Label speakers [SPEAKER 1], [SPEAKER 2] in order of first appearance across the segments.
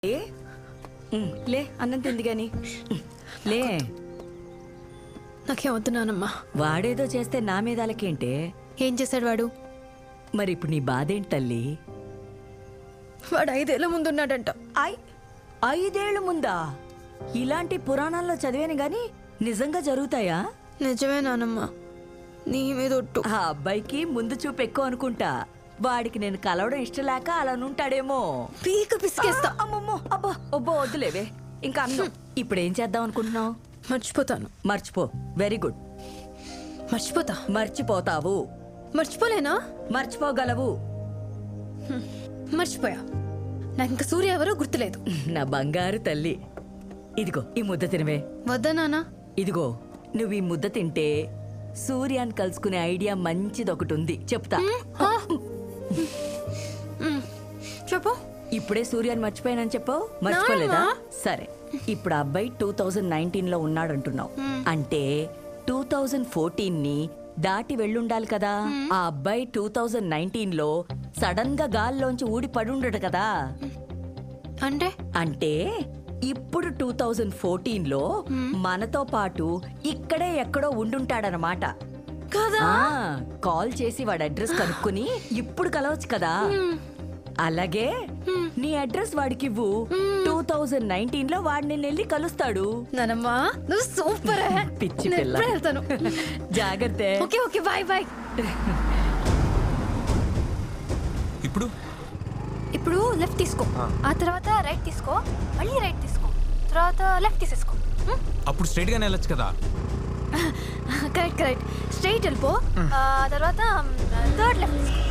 [SPEAKER 1] ఏ లే అన్నం తింది గాని లే.
[SPEAKER 2] నాకేం వద్దు నానమ్మా.
[SPEAKER 1] వాడేదో చేస్తే నా మీద అలకేంటే?
[SPEAKER 2] ఏం చేశాడు వాడు?
[SPEAKER 1] మరి ఇప్పుడు నీ బాధేంటి తల్లి?
[SPEAKER 2] వాడు 5 ఏళ్ల ముందున్నాడంట.
[SPEAKER 1] 5 ఏళ్ల ముందా? ఇలాంటి పురాణాల్లో చదివాను గాని నిజంగా జరుగుతాయా?
[SPEAKER 2] నిజమే నానమ్మా, నీ మీద ఒట్టు.
[SPEAKER 1] ఆ అబ్బాయికి ముందు చూపు ఎక్కువ అనుకుంటా. వాడికి నేను కలవడం ఇష్టం లేక అలా ఉంటాడేమో.
[SPEAKER 2] పీక పిసికేస్తా.
[SPEAKER 1] అమ్మమ్మో అబ్బా ఒబ్బో వద్దులేవే ఇంకా అన్నం. ఇప్పుడు ఏం చేద్దాం అనుకుంటున్నావు?
[SPEAKER 2] మర్చిపోతాను.
[SPEAKER 1] మర్చిపో. Very good.
[SPEAKER 2] మర్చిపోతా.
[SPEAKER 1] మర్చిపోతావు.
[SPEAKER 2] మర్చిపోలేనా?
[SPEAKER 1] మర్చిపోగలవు.
[SPEAKER 2] మర్చిపోయా. నాకు ఇంకా సూర్య ఎవరో గుర్తులేదు.
[SPEAKER 1] నా బంగారు తల్లి, ఇదిగో ఈ ముద్ద తినవే.
[SPEAKER 2] వద్దా నాన్న?
[SPEAKER 1] ఇదిగో నువ్వు ఈ ముద్ద తింటే సూర్యాన్ని కలుసుకునే ఐడియా మంచిది ఒకటి ఉంది, చెప్తా.
[SPEAKER 2] చెప్పు.
[SPEAKER 1] ఇప్పుడే సూర్యాన్ని మర్చిపోయానని చెప్పావు, మర్చిపోలేదా? సరే, ఇప్పుడు ఆ అబ్బాయి 2019లో ఉన్నాడంటున్నావు అంటే 2014ని దాటి వెళ్ళుండాలి కదా. ఆ అబ్బాయి 2019లో సడన్ గా గాల్లోంచి ఊడి పడుండడు కదా.
[SPEAKER 2] అంటే
[SPEAKER 1] అంటే ఇప్పుడు 2014లో మనతో పాటు ఇక్కడే ఎక్కడో ఉండుంటాడనమాట.
[SPEAKER 2] కదా?
[SPEAKER 1] కాల్ చేసి వాడి అడ్రస్ కనుక్కుని ఇప్పుడు కలవచ్చు కదా. అలాగే నీ అడ్రస్ వాడికి ఇవ్వు. 2019లో వాడిని వెళ్ళి కలుస్తాడు.
[SPEAKER 2] నానమ్మా నువ్వు సూపర్.
[SPEAKER 1] పిచ్చి పిల్ల.
[SPEAKER 2] వెళ్తాను.
[SPEAKER 1] జాగ్రత్త.
[SPEAKER 2] Okay okay, bye bye. ఇప్పుడు లెఫ్ట్ తీసుకో, ఆ తర్వాత రైట్ తీసుకో, మళ్ళీ రైట్ తీసుకో, తర్వాత లెఫ్ట్ తీసేసుకో.
[SPEAKER 3] అప్పుడు స్ట్రైట్ గానే వెళ్ళొచ్చు కదా.
[SPEAKER 2] కరెక్ట్ కరెక్ట్, స్ట్రైట్ వెళ్ళిపో, తర్వాత థర్డ్ లెఫ్ట్ తీసుకో.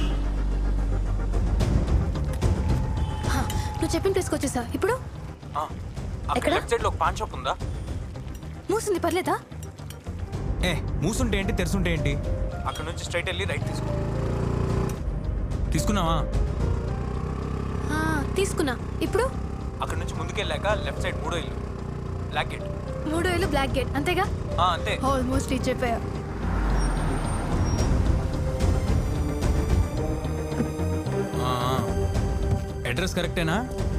[SPEAKER 2] నువ్వు చెప్పిన ప్లేస్కి వచ్చేసా. ఇప్పుడు
[SPEAKER 3] అక్కడ లెఫ్ట్ సైడ్ లో ఒక పాన్ షాప్ ఉందా?
[SPEAKER 2] మూసింది, పర్లేదా?
[SPEAKER 3] మూసుంటే ఏంటి, తెరుసుంటే ఏంటి? అక్కడ నుంచి స్ట్రైట్ వెళ్ళి రైట్ తీసుకో. తీసుకున్నావా?
[SPEAKER 2] తీసుకున్నా. ఇప్పుడు
[SPEAKER 3] అక్కడ నుంచి ముందుకెళ్ళాక లెఫ్ట్ సైడ్ 3వ ఇల్లు, బ్లాక్ గేట్.
[SPEAKER 2] 3వ ఇల్లు, బ్లాక్ గేట్, అంతేగా?
[SPEAKER 3] అంతే.
[SPEAKER 2] ఆల్మోస్ట్ రీచ్ అయిపోయా.
[SPEAKER 3] అడ్రస్ కరెక్టేనా?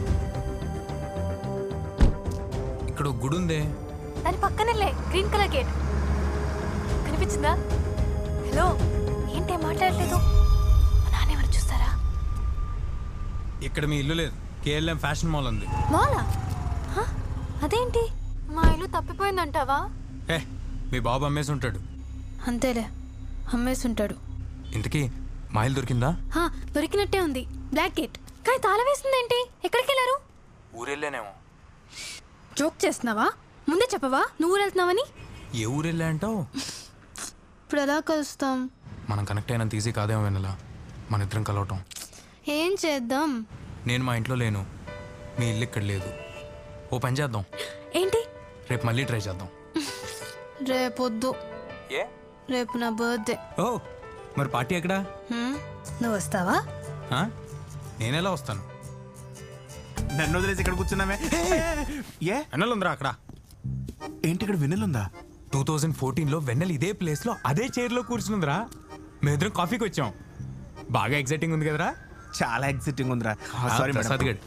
[SPEAKER 3] ఇక్కడ గుడి ఉందే,
[SPEAKER 2] దాని పక్కనే గ్రీన్ కలర్ గేట్ కనిపించిందా? హలో, ఏంటి మాట్లాడలేదు? మా నాన్న ఎవరు చూస్తారా?
[SPEAKER 3] ఇక్కడ మీ ఇల్లు లేదు, కేఎల్ఎం ఫ్యాషన్ మాల్ ఉంది.
[SPEAKER 2] మాలా? అదేంటి, మా ఇల్లు తప్పిపోయిందంటావా?
[SPEAKER 3] మీ బాబు అమ్మేసి ఉంటాడు.
[SPEAKER 2] అంతేలే, అమ్మేసి ఉంటాడు.
[SPEAKER 3] ఇంతకీ మా ఇల్లు దొరికిందా?
[SPEAKER 2] దొరికినట్టే ఉంది, బ్లాక్ గేట్. కానీ తాళం వేసిందేంటి? ఎక్కడికి వెళ్ళారు?
[SPEAKER 3] ఊరెళ్ళానేమో.
[SPEAKER 2] జోక్ చేస్తున్నావా? ముందే చెప్పవా నువ్వు వెళ్తున్నావని?
[SPEAKER 3] ఏ ఊరెళ్ళా అంటావు?
[SPEAKER 2] ఇప్పుడు ఎలా కలుస్తాం?
[SPEAKER 3] మనం కనెక్ట్ అయినంత ఈజీ కాదేమో వెనలా మన ఇద్దరం కలవటం.
[SPEAKER 2] ఏం చేద్దాం?
[SPEAKER 3] నేను మా ఇంట్లో లేను, మీ ఇల్లు ఇక్కడ లేదు. ఓ పని చేద్దాం.
[SPEAKER 2] ఏంటి?
[SPEAKER 3] రేపు మళ్ళీ ట్రై చేద్దాం.
[SPEAKER 2] రేపొద్దు,
[SPEAKER 3] ఏ?
[SPEAKER 2] రేపు నా బర్త్డే.
[SPEAKER 3] ఓ మరి పార్టీ ఎక్కడా?
[SPEAKER 2] నువ్వు వస్తావా?
[SPEAKER 3] నేనెలా వస్తాను?
[SPEAKER 4] నన్ను వదిలేసి ఇక్కడ కూర్చున్నామే. ఏ
[SPEAKER 3] వెన్నెల ఉందిరా అక్కడ.
[SPEAKER 4] ఏంటి ఇక్కడ వెన్నెలుందా?
[SPEAKER 3] 2014లో వెన్నెల ఇదే ప్లేస్ లో అదే చైర్ లో కూర్చుందిరా. మేమిద్దరం కాఫీకి వచ్చాం. బాగా ఎక్సైటింగ్ ఉంది కదరా?
[SPEAKER 4] చాలా ఎక్సైటింగ్ ఉందిరా. సారీ
[SPEAKER 3] ప్రసాద్ గడ్.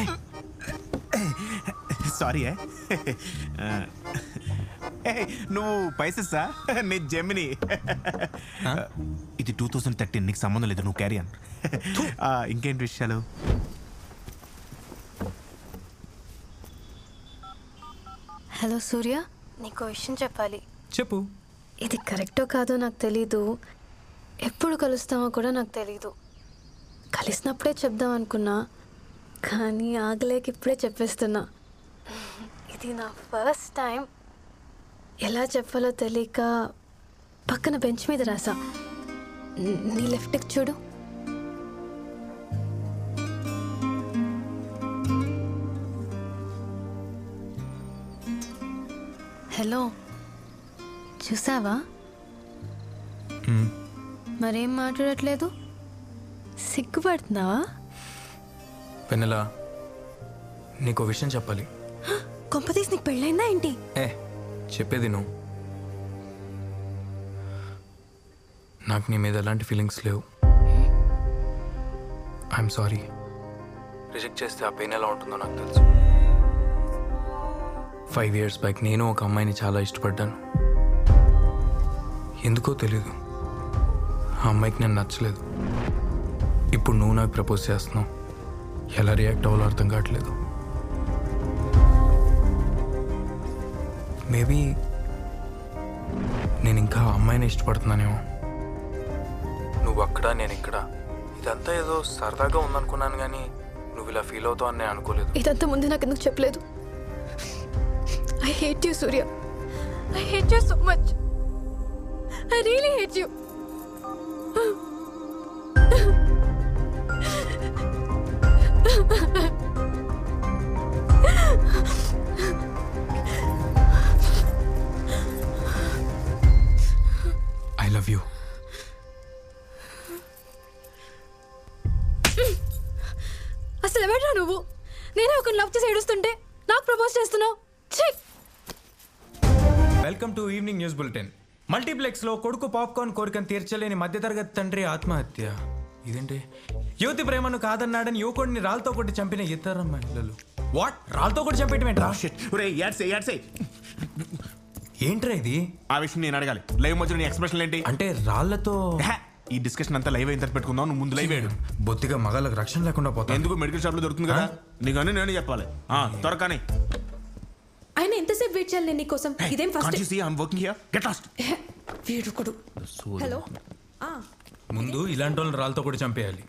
[SPEAKER 4] సారీ. నువ్వు పైసెస్సా? నీ జెమిని. ఇది 2013, నీకు సంబంధం లేదు, నువ్వు క్యారీ ఆన్. ఇంకేంటి విషయాలు?
[SPEAKER 2] హలో సూర్య, నీకు విషయం చెప్పాలి.
[SPEAKER 3] చెప్పు.
[SPEAKER 2] ఇది కరెక్టో కాదో నాకు తెలీదు, ఎప్పుడు కలుస్తామో కూడా నాకు తెలీదు. కలిసినప్పుడే చెప్దాం అనుకున్నా, కానీ ఆగలేక ఇప్పుడే చెప్పేస్తున్నా. ఇది నా ఫస్ట్ టైం. ఎలా చెప్పాలో తెలియక పక్కన బెంచ్ మీద రాసా. నీ లెఫ్ట్కి చూడు. హలో, చూసావా? మరేం మాట్లాడట్లేదు? సిగ్గుపడుతున్నావా?
[SPEAKER 3] వెన్నెల, నీకు విషయం చెప్పాలి.
[SPEAKER 2] కొంపతీసి నీకు పెళ్ళైందా ఏంటి?
[SPEAKER 3] చెప్పేది నువ్వు. నాకు నీ మీద ఎలాంటి ఫీలింగ్స్ లేవు. I'm sorry. రిజెక్ట్ చేస్తే ఆ పెయిన్ ఎలా ఉంటుందో నాకు తెలుసు. 5 years బ్యాక్ నేను ఒక అమ్మాయిని చాలా ఇష్టపడ్డాను. ఎందుకో తెలీదు, ఆ అమ్మాయికి నేను నచ్చలేదు. ఇప్పుడు నువ్వు నాకు ప్రపోజ్ చేస్తున్నావు, ఎలా రియాక్ట్ అవ్వాలో అర్థం కావట్లేదు. మేబీ నేను ఇంకా ఆ అమ్మాయిని ఇష్టపడుతున్నానేమో. నువ్వు అక్కడ నేను ఇక్కడ, ఇదంతా ఏదో సరదాగా ఉందనుకున్నాను, కానీ నువ్వు ఇలా ఫీల్ అవుతావు అని నేను అనుకోలేదు.
[SPEAKER 2] ఇదంతా ముందు నాకు ఎందుకు చెప్పలేదు? I hate you Surya. I hate you so much. I really hate you.
[SPEAKER 3] I love you.
[SPEAKER 2] అసలు ఎవడ్రా నువ్వు? నేనే ఒక లవ్ చేసి ఏడుస్తుంటే నాకు ప్రపోజ్ చేస్తున్నావు.
[SPEAKER 3] Welcome to evening news bulletin. Multiplex లో కొడుకు పాప్కార్న్ కోరికను తీర్చలేని మధ్యతరగతి తండ్రి ఆత్మహత్య. ఇదేంటి? యువతి ప్రేమను కాదన్నాడని యువకుడిని రాళ్ళతో కొట్టి చంపిన ఇతర మహిళలు. వాట్? రాళ్ళతో కొట్టి చంపేయటం ఏంట్రా? ఏంట్రా ఇది?
[SPEAKER 4] ఆ విషయం నేను అడగాలి. లైవ్ మధ్యలో నీ ఎక్స్ప్రెషన్ ఏంటి?
[SPEAKER 3] అంటే రాళ్లతో
[SPEAKER 4] ఈ డిస్కషన్ అంతా లైవ్ అయిన తర్వాత పెట్టుకుందాం. నువ్వు ముందు లైవ్ వేయడు.
[SPEAKER 3] బొత్తిగా మగాళ్ళకి రక్షణ లేకుండా పోతా.
[SPEAKER 4] ఎందుకు మెడికల్ షాప్ లో దొరుకుతుంది కదా, నీకు అన్నీ నేను చెప్పాలి. త్వరగానే.
[SPEAKER 5] ఆయన ఎంతసేపు వెయిట్ చేయాలి నేను నీకోసం? ఇదేం ఫస్ట్ వీడుకుడు. హలో.
[SPEAKER 3] ముందు ఇలాంటి వాళ్ళని రాళ్ళతో కూడా చంపేయాలి.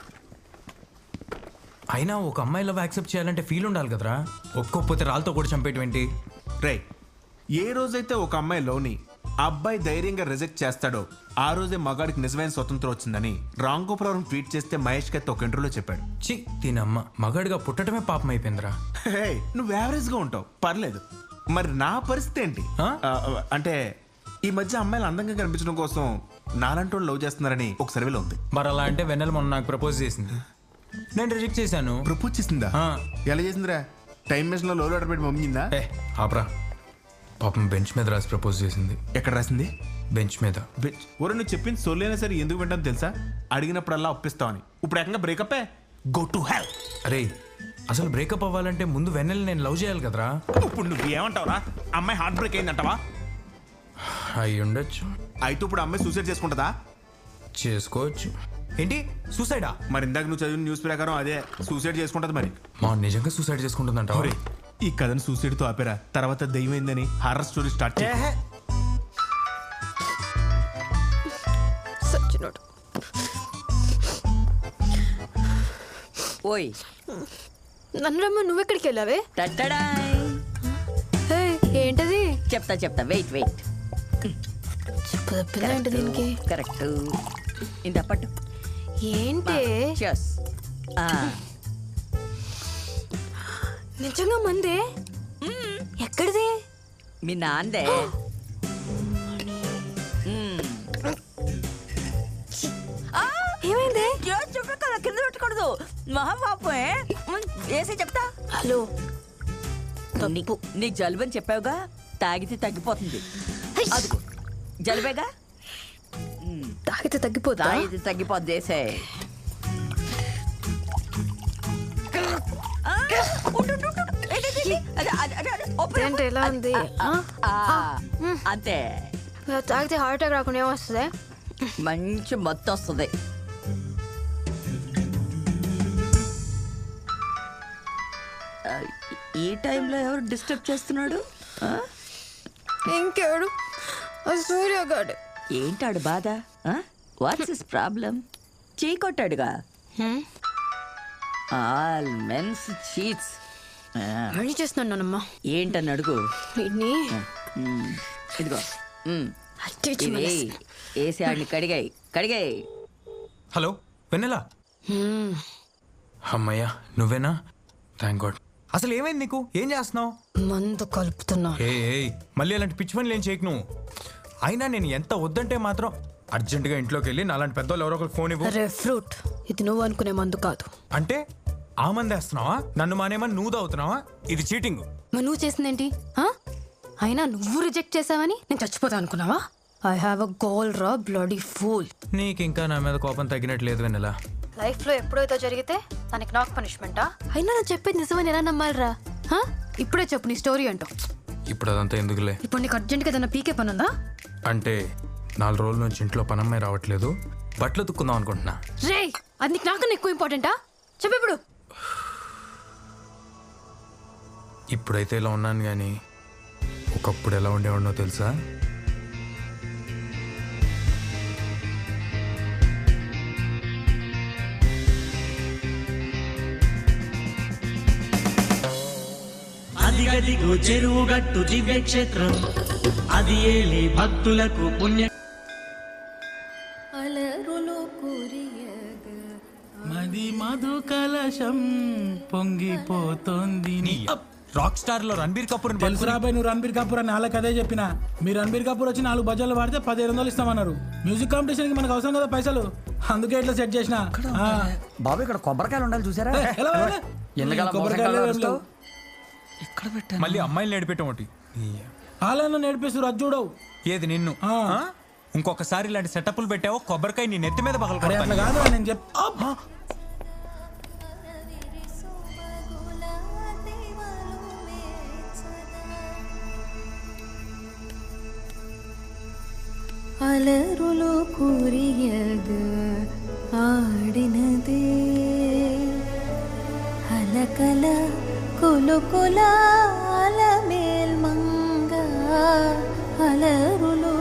[SPEAKER 3] అయినా ఒక అమ్మాయి లవ్ యాక్సెప్ట్ చేయాలంటే ఫీల్ ఉండాలి కదరా. ఒక్కొక్కపోతే రాళ్ళతో కూడా చంపేయటం ఏంటి?
[SPEAKER 4] రే, ఏ రోజైతే ఒక అమ్మాయి లోని అబ్బాయి ధైర్యంగా రిజెక్ట్ చేస్తాడో ఆ రోజే మగాడికి నిజమైన స్వతంత్రం వచ్చిందని రామ్ గోపురం ట్వీట్ చేస్తే మహేష్ కత్తి ఒక ఇంటర్వ్యూలో చెప్పాడు.
[SPEAKER 3] చి దీనమ్మ, మగాడిగా పుట్టడమే పాపం అయిపోయిందిరా.
[SPEAKER 4] హే, నువ్వు యావరేజ్ గా ఉంటావు, పర్లేదు. మరి నా పరిస్థితి ఏంటి? అంటే ఈ మధ్య అమ్మాయిలు అందంగా కనిపించడం కోసం నాలంటి వాళ్ళు లవ్ చేస్తున్నారని ఒక సర్వేలో ఉంది.
[SPEAKER 3] మరి అలా అంటే వెన్నెల మొన్న నాకు ప్రపోజ్ చేసింది, నేను రిజెక్ట్ చేశాను.
[SPEAKER 4] ప్రపోజ్ చేసిందా? ఎలా చేసిందిరా? టైం మెషిన్ లో లోడ్ ఆర్డర్ పెట్టి పంపించిందా?
[SPEAKER 3] ఆపరా, పాపం బెంచ్ మీద రాసి ప్రపోజ్ చేసింది.
[SPEAKER 4] ఎక్కడ రాసింది?
[SPEAKER 3] బెంచ్ మీద.
[SPEAKER 4] ఒరే, నువ్వు చెప్పింది సొల్లైనా సరే ఎందుకు వింటాను తెలుసా? అడిగినప్పుడల్లా ఒప్పిస్తావని. ఇప్పుడు ఏకంగా బ్రేకప్. Go to hell.
[SPEAKER 3] అరే, అసలు బ్రేకప్ అవ్వాలంటే ముందు వెన్నెల నేను లవ్ చేయాలి కదరా.
[SPEAKER 4] ఇప్పుడు నువ్వు ఏమంటావురా? అమ్మాయి హార్ట్ బ్రేక్ అయిందంటావా?
[SPEAKER 3] అయి ఉండొచ్చు.
[SPEAKER 4] అయితే ఇప్పుడు అమ్మాయి సూసైడ్ చేసుకుంటుందా?
[SPEAKER 3] చేసుకోవచ్చు. ఏంటి సూసైడా?
[SPEAKER 4] మరి ఇందాక నువ్వు చదివిన న్యూస్ ప్రకారం అదే సూసైడ్ చేసుకుంటది. మరి
[SPEAKER 3] మా నిజంగా సూసైడ్ చేసుకుంటుందంట.
[SPEAKER 4] ఈ కథను సూసైడ్ తో ఆపేరా, తర్వాత దయ్యమైందని హారర్ స్టోరీ స్టార్ట్ చేయ.
[SPEAKER 2] సచ్చినోడు.
[SPEAKER 1] ఓయ్
[SPEAKER 2] నన్ను రమ్మ, నువ్వెక్కడికి వెళ్ళావే?
[SPEAKER 1] టట్టడాయ్.
[SPEAKER 2] హే, ఏంటది?
[SPEAKER 1] చెప్తా వెయిట్
[SPEAKER 2] చెప్పు తప్పిందా ఏంటి దీనికి?
[SPEAKER 1] కరెక్ట్. ఇంత పట్టు.
[SPEAKER 2] ఏంటి?
[SPEAKER 1] Cheers.
[SPEAKER 2] నిజంగా మందే? ఎక్కడిది?
[SPEAKER 1] మీ నాందే.
[SPEAKER 2] ఏమైంది?
[SPEAKER 1] చెప్పు కదా, కింద పెట్టకూడదు. మహాపాపే. వేసి చెప్తా.
[SPEAKER 2] హలో,
[SPEAKER 1] నీకు జలుబు అని చెప్పావుగా, తాగితే తగ్గిపోతుంది. అదిగో జలుబేగా,
[SPEAKER 2] తాగితే తగ్గిపోతా?
[SPEAKER 1] తాగితే తగ్గిపోద్ది. వేసే.
[SPEAKER 2] ఏంటి ఎలా ఉంది?
[SPEAKER 1] అంతే.
[SPEAKER 2] తాగితే హార్ట్ అటాక్ రాకుండా ఏమొస్తుంది?
[SPEAKER 1] మంచి మత్తు వస్తుంది. ఈ టైంలో ఎవరు డిస్టర్బ్ చేస్తున్నాడు?
[SPEAKER 2] ఇంకెవడు? సూర్యగాడు.
[SPEAKER 1] ఏంటాడు బాధ? What's his problem? చీ కొట్టాడుగా. All men's cheats.
[SPEAKER 2] మళ్ళీ చేస్తున్నానమ్మా.
[SPEAKER 1] ఏంటని అడుగు.
[SPEAKER 2] వీడిని
[SPEAKER 1] ఇదిగో
[SPEAKER 2] అట్టించి
[SPEAKER 1] వేసి ఆడిని కడిగాయి.
[SPEAKER 3] హలో వెన్నెలా. అమ్మయ్యా, నువ్వేనా? Thank God. అసలు ఏమైంది నీకు? ఏం చేస్తున్నావు?
[SPEAKER 2] మందు కలుపుతున్నా.
[SPEAKER 3] మళ్ళీ అలాంటి పిచ్చి పనులు ఏం చేయకు నువ్వు. అయినా నేను ఎంత వద్దంటే మాత్రం అర్జెంటుగా ఇంట్లోకి వెళ్ళి నాలాంటి పెద్దోళ్ళు ఎవరో ఒకరు ఫోన్ ఇవ్వు.
[SPEAKER 2] అరే ఫ్రూట్, ఇది నువ్వు అనుకునే మందు కాదు.
[SPEAKER 3] అంటే ఆ మంది వేస్తున్నావా? నన్ను మానేమని నువ్వు తాగుతున్నావా? ఇది చీటింగ్.
[SPEAKER 2] మరి నువ్వు చేసిందేంటి? అయినా నువ్వు రిజెక్ట్ చేసావని నేను చచ్చిపోతా అనుకున్నావా? ఐ హావ్ అ గోల్ రా బ్లడీ ఫూల్.
[SPEAKER 3] నీకు ఇంకా నా మీద కోపం తగ్గినట్లేదు వెన్నెలా.
[SPEAKER 2] లైఫ్లో ఎప్పుడైతే జరిగితే దానికి నాకు పనిష్మెంటా? అయినా నేను చెప్పేది నిజమని ఎలా నమ్మాలిరా? హా? ఇప్పుడే చెప్పు నీ స్టోరీ అంటూ.
[SPEAKER 3] ఇప్పుడు అదంతా ఎందుకులే.
[SPEAKER 2] ఇప్పుడు నీకు అర్జెంట్గా ఏదైనా పీకే పని ఉందా?
[SPEAKER 3] అంటే 4 రోజుల నుంచి ఇంట్లో పనమ్మాయి రావట్లేదు, బట్టలు తుక్కుందాం అనుకుంటున్నా.
[SPEAKER 2] రే, అది నీకు నాకన్నా ఎక్కువ ఇంపార్టెంటా? చెప్పు ఇప్పుడు.
[SPEAKER 3] ఇప్పుడైతే ఇలా ఉన్నాను కానీ ఒకప్పుడు ఎలా ఉండేవాడినో తెలుసా?
[SPEAKER 6] అదిగదిగో చెరువు గట్టు దివ్య క్షేత్రం, అది ఏలే భక్తులకు పుణ్య. మది మధు కలశం పొంగిపోతోంది.
[SPEAKER 3] రాక్ స్టార్ లో రణబీర్ కపూర్
[SPEAKER 7] తెలుసు రాబాయ్, నువ్వు రణబీర్ కపూర్ అని వాళ్ళకి అదే చెప్పిన. మీరు రణబీర్ కపూర్ వచ్చి 4 బజార్లు వాడితే 1500 ఇస్తామన్నారు. మ్యూజిక్ కాంపిటీషన్ కి మనకు అవసరం కదా పైసలు, అందుకే ఇట్లా సెట్ చేసిన.
[SPEAKER 8] బాబు ఇక్కడ కొబ్బరికాయలు ఉండాలి చూసారా?
[SPEAKER 3] మళ్ళీ అమ్మాయిలు నడిపెట్టం ఒకటి
[SPEAKER 7] వాళ్ళన్న నేర్పిస్తారు, అది చూడవు.
[SPEAKER 3] ఏది నిన్ను? ఇంకొకసారి ఇలాంటి సెటప్లు పెట్టావో కొబ్బరికాయ నీ నెత్తి మీద
[SPEAKER 7] అరే అట్లా
[SPEAKER 3] పగలగొడతాను.
[SPEAKER 7] కాదు నేను చెప్తా.
[SPEAKER 9] అలరులో కురియగ ఆడినదే అలకల కొలుకొల అలమేల్ మంగ అలరులో